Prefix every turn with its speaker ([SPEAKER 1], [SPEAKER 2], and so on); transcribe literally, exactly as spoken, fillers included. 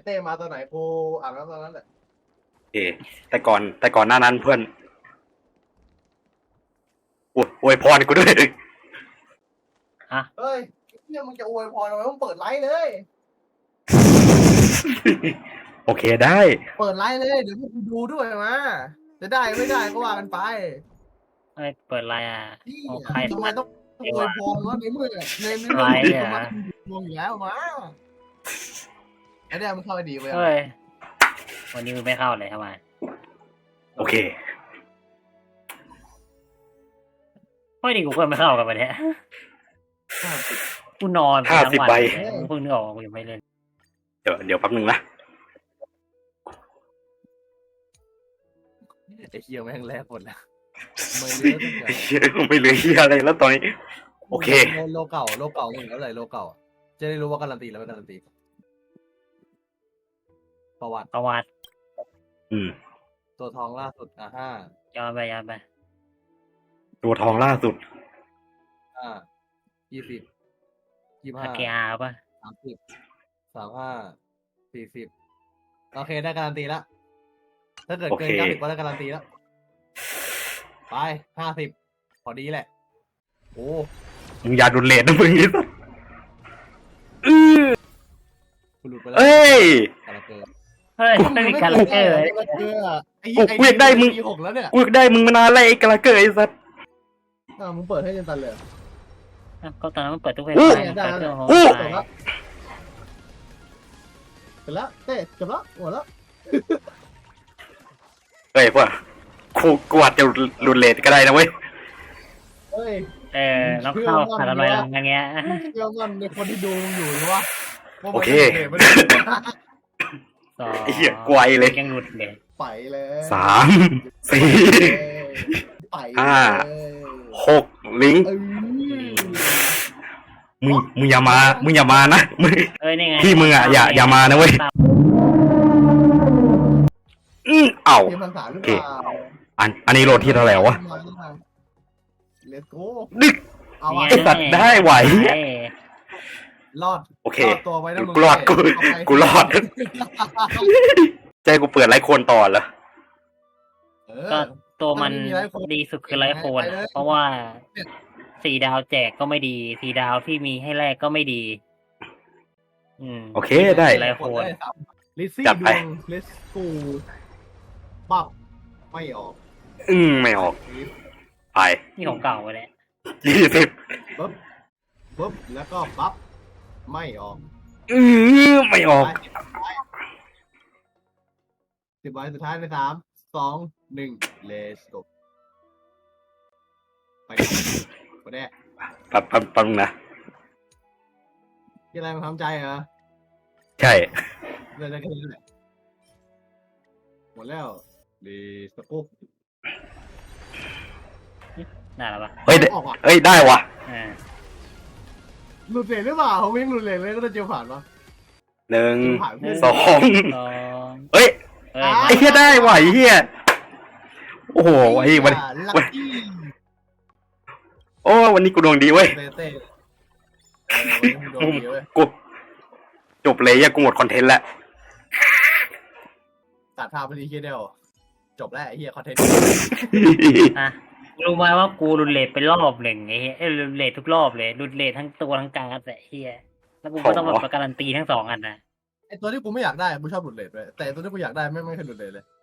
[SPEAKER 1] ต้มาตอนไหนกูอ่านแล้วตอนนั้นแหละ
[SPEAKER 2] เอแต่ก่อนแต่ก่อนหน้านั้นเพื่อนอวยอวยพรกูด้วย
[SPEAKER 3] ฮะ
[SPEAKER 1] เฮ้ยเนี่ยมึงจะอวยพรทำไมมึงเปิดไลฟ์เลย
[SPEAKER 2] โอเคได้
[SPEAKER 1] เปิดไลฟ์เลยเดี๋ยวพวกกูดูด้วยมาจะได้ไม่ได้ก็ว่ากันไป
[SPEAKER 3] เอ้ยเปิดไลน์อ่ะ
[SPEAKER 1] นี่
[SPEAKER 3] โอ้ใคร
[SPEAKER 1] ทำไมต้องอวยพรวะในเมื่อในใน
[SPEAKER 3] ไล
[SPEAKER 1] เมื่อ
[SPEAKER 3] ฟ์
[SPEAKER 1] มึง
[SPEAKER 3] อ่ะ
[SPEAKER 1] มองอยู่แล้วมาไอ้เนี่ยมึงเข้าไปดีไป
[SPEAKER 3] เฮ้ยวันนี้มึงไม่เข้าเลยทำไม
[SPEAKER 2] โอเค
[SPEAKER 3] เฮ้ยนี่กูก็ไม่เข้ากันไปเนี่ยกูนอนไป
[SPEAKER 2] ห้า
[SPEAKER 3] ทั้ง
[SPEAKER 2] สิบ
[SPEAKER 3] วัน
[SPEAKER 2] ใบ
[SPEAKER 3] เลยมึงเพิ่งนึกออกว่ากูยังไม่เล่น
[SPEAKER 2] เดี๋ยวเดี๋ยวแป๊บนึงนะ
[SPEAKER 1] ไอ้เหี้ยแม่งแลกหมดแล้วไม่เหลือทุกอย่าง
[SPEAKER 2] ไม่เหลือเฮียอะไรแล้วตอนนี้ โอเค
[SPEAKER 1] โลเก่าโลเก่ามึงแล้วเลยโลเก่าจะได้รู้ว่าการันตีแล้วไม่การันตีประวัติ
[SPEAKER 3] ประวัติ
[SPEAKER 2] อืม
[SPEAKER 1] ตัวทองล่าสุดอ่ะห้า
[SPEAKER 3] ย้อนไปย้อนไป
[SPEAKER 2] ตัวทองล่าสุด
[SPEAKER 1] ห้ายี่สิบยี่
[SPEAKER 3] อา
[SPEAKER 1] ห้า
[SPEAKER 3] เกียร์ป่ะ
[SPEAKER 1] สามสิบสามห้าสี่สิบโอเคได้การันตีแล้วถ้าเกิดเกิน
[SPEAKER 2] โอเค
[SPEAKER 1] เก้าสิบก็ได้การันตีแล้วไปห้าสิบพอดีแหละโอ้
[SPEAKER 2] มึงอย่าดุเลทนะมึงนี่สัสอื้อ
[SPEAKER 1] กูหลุดไปแล้ว
[SPEAKER 2] เอ้ย
[SPEAKER 1] การันตี
[SPEAKER 3] เฮ้ยไม่มีการเกอร์เลย
[SPEAKER 1] ไอ้
[SPEAKER 2] กูกูอยากได้มึง
[SPEAKER 1] ปีหกแล้วเนี่ย
[SPEAKER 2] กูอยากได้มึงมานานแล้วไอ้กระเกอร์ไอ้สัส
[SPEAKER 1] อ่ามึงเปิดให้เจนตันเลย
[SPEAKER 3] ก็ตอนนั้นมันเปิดทุกเพลง
[SPEAKER 2] อู้
[SPEAKER 3] ไปมันเปิดเครื่องโฮม
[SPEAKER 2] อู้
[SPEAKER 3] ไป
[SPEAKER 1] เสร็จแล้วเต้จบแล้วหมดแล้ว
[SPEAKER 2] เฮ้ยพวกกูกูอาจจะดุเลทก็ได้นะเว้ย
[SPEAKER 1] เฮ้ย
[SPEAKER 3] เออแล้วเข้าขาดอะไรลังอย่างเงี้ย
[SPEAKER 1] เชื่อมั่นในคนที่ดูมึงอยู่หรือวะว่ามัน
[SPEAKER 2] โอเค
[SPEAKER 1] ไม่ได้
[SPEAKER 3] สอง
[SPEAKER 2] ไอ้เหี้ยไกวเลย
[SPEAKER 3] ยังหลุดเลย
[SPEAKER 1] ไปเลย
[SPEAKER 2] สามสี่
[SPEAKER 1] ไป
[SPEAKER 2] ห้า
[SPEAKER 1] เลย
[SPEAKER 2] หกลิงก์
[SPEAKER 1] เอ้ย
[SPEAKER 2] มึงมึงอย่ามา มึงอย่ามานะมึง
[SPEAKER 3] เอ้ยนี่ไง
[SPEAKER 2] พี่มึงอ่ะอย่าอย่ามานะเว้ย อืมเอ้า
[SPEAKER 1] เกมภาษาหรือเปล่า
[SPEAKER 2] อันอันนี้โหลดที่เท่าไหร่วะ
[SPEAKER 1] เลสโก้
[SPEAKER 2] ดึก
[SPEAKER 1] เอา
[SPEAKER 3] นี่
[SPEAKER 1] วะ
[SPEAKER 3] ไง
[SPEAKER 2] ไอ้สัตว์ได้ไหว
[SPEAKER 3] เอ้ย
[SPEAKER 1] รอด
[SPEAKER 2] โอเค
[SPEAKER 1] รอดตัวไว้นะมึง
[SPEAKER 2] กูรอดกู
[SPEAKER 1] เอาไป
[SPEAKER 2] กูรอด ใจกูเปิดไลฟ์โคนต่อเหรอ
[SPEAKER 1] เอ
[SPEAKER 3] ก็
[SPEAKER 1] อ
[SPEAKER 3] ตัวมัน
[SPEAKER 1] ถ้าไม่มีไลฟ์โคน
[SPEAKER 3] ดีสุดคือไลฟ์โคน
[SPEAKER 1] ไปเลย
[SPEAKER 3] เพราะว่าสี่ดาวแจกก็ไม่ดีสี่ดาวที่มีให้แลกก็ไม่ดี อืม
[SPEAKER 2] โอเคได้
[SPEAKER 3] ไลฟ์โคน
[SPEAKER 1] ลิซซี่
[SPEAKER 2] จัด
[SPEAKER 1] ด
[SPEAKER 2] ไป
[SPEAKER 1] วงเลสกูปับไม่ออก
[SPEAKER 2] อืมไม่ออก ไป
[SPEAKER 3] นี่ของเก่าไปแล้ว
[SPEAKER 2] ยี่สิบ
[SPEAKER 1] ปึ๊บปึ๊บแล้วก็ปั๊บไม่ออก
[SPEAKER 2] อือไม่ออก
[SPEAKER 1] สิบใบสุดท้ายในสามสองหนึ่งเลสโกไปไปแน่
[SPEAKER 2] แป๊บแป๊บแป๊บนึงนะ
[SPEAKER 1] ที่อะไรมันทำใจเหรอ
[SPEAKER 2] ใช่
[SPEAKER 1] เรื่องอะไรกันนี่แหละหมดแล้วเลสโก
[SPEAKER 3] น่ารักปะ
[SPEAKER 2] เฮ้ยได้
[SPEAKER 1] ออกอ่ะ
[SPEAKER 2] เฮ้ยได้ว่ะ
[SPEAKER 3] อ่า
[SPEAKER 1] หลุดเลนหรือเปล่าผมยังหลุดเลนเลยก็จะเจียวผ่านวะ
[SPEAKER 2] หนึ่ง
[SPEAKER 1] ผ่านเพื่อน
[SPEAKER 2] สอง
[SPEAKER 3] สอง
[SPEAKER 2] เฮ้ย
[SPEAKER 3] เอ้ย
[SPEAKER 2] ไอ้เหี้ยได้ว่ะไอ้เหี้ยโอ้โหไอ้วัน
[SPEAKER 1] ลั
[SPEAKER 2] วัน
[SPEAKER 1] คกี้
[SPEAKER 2] โอ้วันนี้กูดวงดีเว้ย
[SPEAKER 1] เต้เต้เออวันนี้มึงโดนดีเว้ย
[SPEAKER 2] กูจบเลยอะกูหมดคอนเทนต์แล้ว
[SPEAKER 1] ตัดภาพไปดีเคียเดียวจบแล้วไอ้เหี้ยคอนเทนต์
[SPEAKER 3] อ่ะรู้ไหมว่ากูรุนเลทเป็นรอบหนึ่งไอ้เหี้ยเอ้ยรุนเลททุกรอบเลยรุนเลททั้งตัวทั้งการดแต่เฮียแล้วกูก็ต้องมาการันตีทั้งสองอันนะ
[SPEAKER 1] ไอตัวที่กูไม่อยากได้กูชอบหลุดเลทเลยแต่ไอ้ตัวที่กูอยากได้ไม่ไม่เคยหลุดเลทเลย